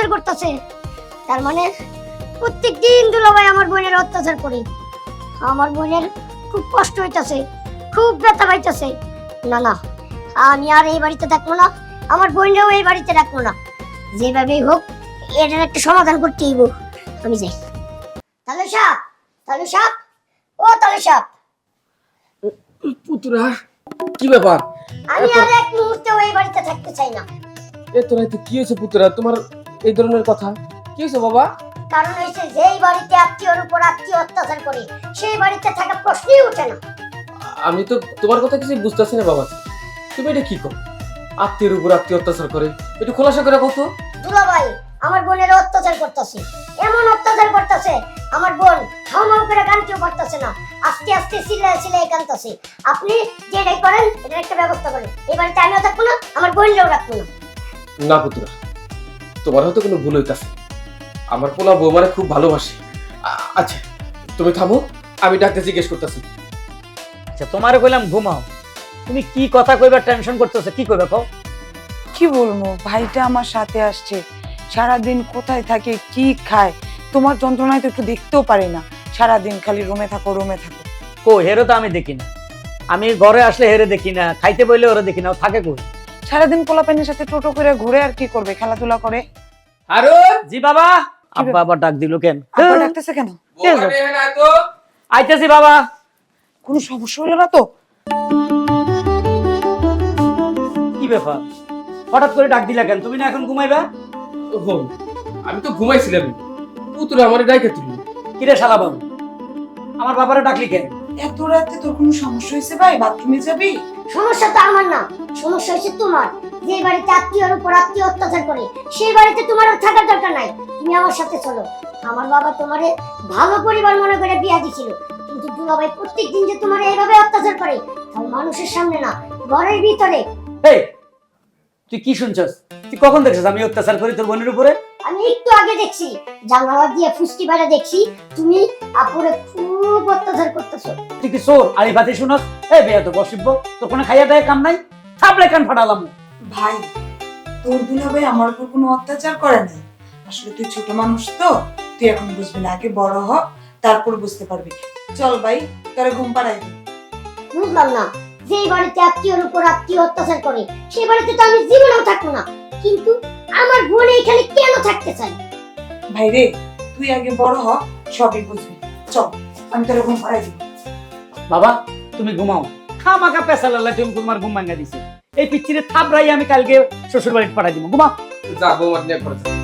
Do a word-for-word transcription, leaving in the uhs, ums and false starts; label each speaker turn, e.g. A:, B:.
A: করতেছে, তার মানে প্রত্যেক দিন দুলাভাই আমার বোনের অত্যাচার করে। আমার বোনের খুব কষ্ট হইতাছে, খুব ব্যথা পাইতেছে। না না, আমি আর এই বাড়িতে থাকবো না, আমার বোনরাও এই বাড়িতে রাখবো না। যেভাবেই হোক এটার একটা সমাধান করতে হইব। আমি যাই। তাহলে সাপ, তাহলে সাপ, ও তাহলে সাপ,
B: পুতুরা কি ব্যাপার?
A: আমি আর এক মুহূর্তেও এই বাড়িতে থাকতে চাই না।
B: এত রাতে কি হয়েছে পুতুরা, তোমার এই ধরনের কথা কি হয়েছে বাবা?
A: কারণ হয়েছে যেই বাড়িতে আত্মীয়র উপর আত্মীয় অত্যাচার করে সেই বাড়িতে থাকা প্রশ্নই ওঠে না।
B: আমি তো তোমার কথা কিছু বুঝতেছি না বাবা, তুমি এটা কি কর? আত্মীয়ের উপর আত্মীয় অত্যাচার করে, একটু খোলাসা করে কত।
A: দুলাভাই আমার বোনের অত্যাচার করতেছে, এমন অত্যাচার করতেছে আমার বোন হাউ মাউ করে কানতেও পারতেছে না, আস্তে আস্তে সিলাই সিলাই কানতেছে। আপনি যেটাই করেন এটার একটা ব্যবস্থা করেন। এই বাড়িতে আমিও থাকবো না, আমার বোনরাও রাখবো না।
B: না পুতুরা, তোমার হয়তো কোনো ভুল হইতাছে। আমার পোলা বৌমারে খুব ভালোবাসে। আ- আচ্ছা তুমি থামো, আমি ডাক্তার জিজ্ঞেস করতেছি।
C: আচ্ছা তোমারে কইলাম ঘুমাও, তুমি কি কথা কইবার টেনশন করতেছো? কি কইবা কও?
D: কি বলবো, ভাইটা আমার সাথে আসছে, সারাদিন কোথায় থাকে কি খায় তোমার যন্ত্রণায় তো একটু দেখতেও পারি না, সারাদিন খালি রুমে থাকো রুমে থাকো।
C: কো হেরো তো আমি দেখি না, আমি ঘরে আসলে হেরে দেখি না, খাইতে বইলে ওরা দেখি না, ও থাকে কই?
D: সারাদিন পোলাপানের সাথে টোটো করে ঘুরে আর কি করবে, খেলাধুলা করে।
C: আরো জি বাবা, আব্বা আবার ডাক দিল কেন?
D: আব্বা ডাকতেছে কেন?
C: আইতেছি বাবা।
D: কোনো সমস্যা হলো না তো?
C: কি ব্যাপার, হঠাৎ করে ডাক দিলা কেন? তুমি না এখন ঘুমাইবা?
B: ওহো, আমি তো ঘুমাইছিলাম, পুতুরা আমার ডাইকে তুললো।
C: কিরে শালা বাবু, আমার বাবারে ডাকলি কেন?
D: এত রাতে তোর কোনো সমস্যা হয়েছে ভাই? বাথরুমে যাবি?
A: সমস্যা তো আমার না, সমস্যা হচ্ছে তোমার। যে বাড়িতে আত্মীয়র উপর আত্মীয় অত্যাচার করে সেই বাড়িতে তোমার আর থাকার দরকার নাই। তুমি আমার সাথে চলো। আমার বাবা তোমারে ভালো পরিবার মনে করে বিয়া দিছিল, কিন্তু দুলাভাই প্রত্যেকদিন যে তোমার এইভাবে অত্যাচার করে, তাও মানুষের সামনে না, ঘরের ভিতরে।
C: এই তুই কি শুনছস? তুই কখন দেখছিস আমি অত্যাচার করি তোর বোনের উপরে?
A: আমি একটু আগে দেখছি, জানালা দিয়ে ফুসকি বাইরে দেখছি তুমি আপুরে খুব অত্যাচার করতেছো।
C: তুই কি চোর আলি বাতি শুনস? এই বেয়া তো বসিব, তোর কোনো খাইয়া দেয় কাম নাই, থাপড়ে কান ফাটালাম।
D: ভাই তোর দুলাভাই আমার উপর কোনো অত্যাচার করে নাই, আসলে তুই ছোট মানুষ তো, তুই এখন বুঝবি না, আগে বড় হ তারপর বুঝতে পারবি। চল ভাই তোরে ঘুম পাড়াই দি।
A: বুঝলাম না, যেই বাড়িতে আত্মীয়র উপর আত্মীয় অত্যাচার করে সেই বাড়িতে তো আমি জীবনেও থাকবো না, কিন্তু আমার বোন এখানে কেন থাকতে চাই?
D: ভাই রে তুই আগে বড় হ, সবই বুঝবি। চল আমি তোরে ঘুম পাড়াই দিব।
C: বাবা তুমি ঘুমাও, খামাকা পেছালালে তুমি তোমার ঘুম ভাঙা দিছে। এই পিচ্ছিরে থাপড়াই আমি কালকে শ্বশুর বাড়িতে পাঠাই দিব, ঘুমাও।
B: যা বৌমার নিয়ে পড়েছে।